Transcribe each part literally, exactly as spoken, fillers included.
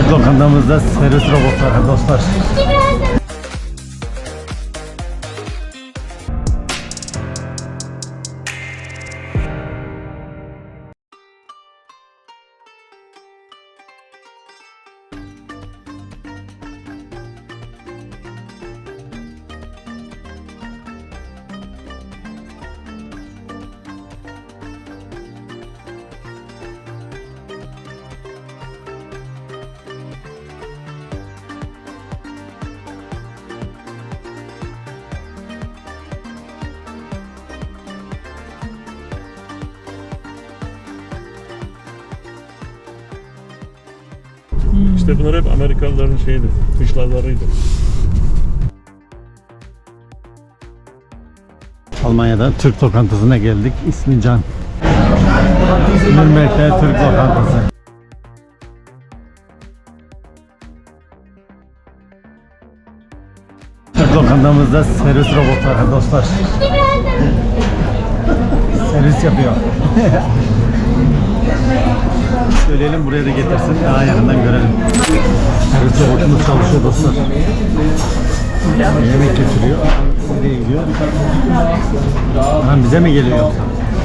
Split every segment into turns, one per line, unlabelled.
Türk lokantamızda servis robotları dostlar.
İşte bunlar hep Amerikalıların şeydi, kışlalarıydı.
Almanya'da Türk lokantasına geldik. İsmi Can. Nürnberg'de Türk lokantası. Türk lokantamızda servis robotları dostlar. Servis yapıyor. Söyleyelim buraya da getirsin. Daha yakından görelim. Servis robotumuz çalışıyor dostlar. Yemek götürüyor. Nereye gidiyor? Ha, bize mi geliyor yoksa?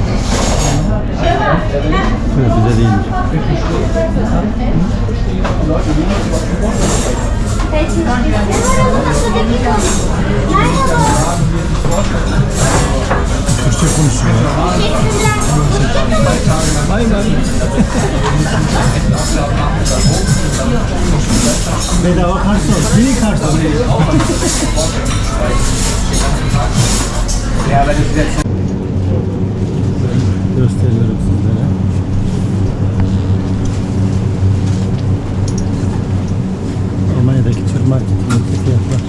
Yok, bize değilmiş. Türkçe konuşuyor. Aynen. Bedava karşı Neyi karşı gösteriyorum sizlere. Almanya'daki Türk marketindeki fiyatlar.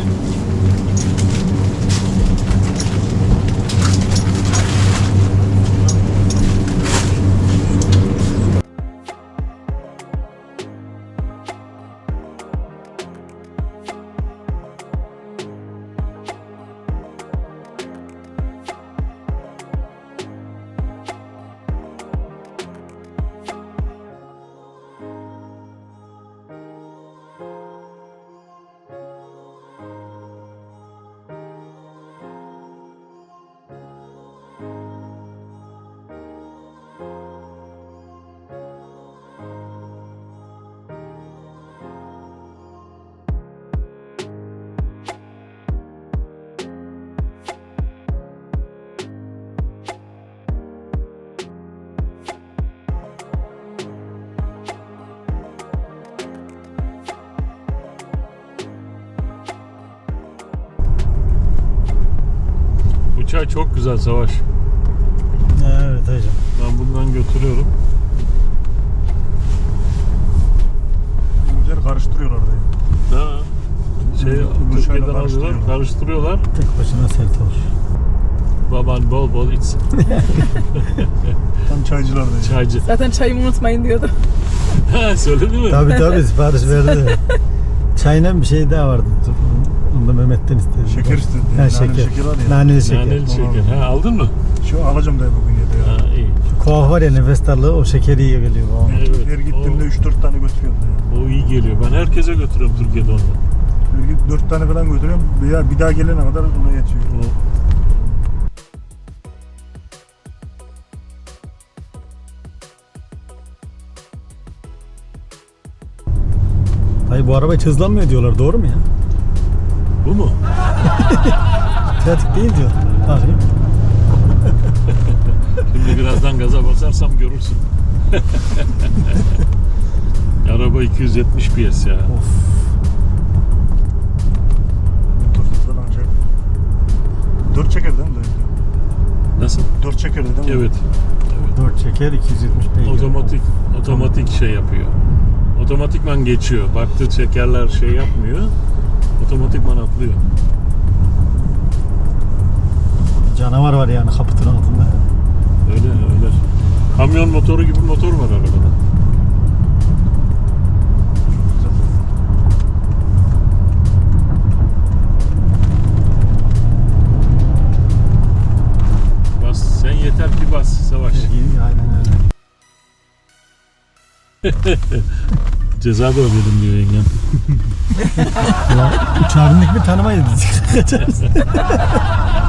Bu çay çok güzel Savaş.
Evet hocam.
Ben bundan götürüyorum.
Güzel karıştırıyorlar da.
Ha. Şey, Türkiye'den alıyorlar, karıştırıyorlar.
Tek başına sert olur.
Baban bol bol içsin.
Tam çaycılar da.
Çaycı.
Zaten çayımı unutmayın diyordu.
Ha, söyledi mi?
Tabii tabii sipariş verdi. Çayla bir şey daha vardı. Onu da Mehmet'ten istedi.
Şeker istedi.
Ha,
Naneli
şeker.
şeker var ya.
Naneli şeker.
Naneli şeker. Ha, aldın mı?
Şu alacağım da bugün ya da ya.
Ha, iyi.
Şu kuaf var ya nefes darlığı o şekeri iyi geliyor babam.
Evet,
Her gittiğimde
o-
üç dört tane götürüyorum da ya.
O iyi geliyor. Ben herkese götürüyorum Türkiye'de onu.
Her git dört tane falan götürüyorum. Bir daha, bir daha gelene kadar ona yetiyor.
O-
Dayı bu araba hiç hızlanmıyor diyorlar, doğru mu ya?
Bu mu?
Pratik değil diyor. Bakayım.
Şimdi birazdan gaza basarsam görürsün. Araba iki yüz yetmiş P S ya.
Of.
Motorsuz falan şey. Dört çeker değil mi?
Nasıl?
Dört çeker değil mi?
Evet. Evet.
dört çeker iki yüz yetmiş beygir.
Otomatik otomatik şey yapıyor. Otomatikman geçiyor. Baktı çekerler şey yapmıyor. Otomatikman atlıyor.
Canavar var yani kaputun altında.
Öyle öyle. Kamyon motoru gibi motor var arabada. Bas, sen yeter ki bas Savaş.
Aynen öyle.
Ceza da ödedim diyor yengem.
Uçağa bindik mi tanımayız biz. Kaçarız.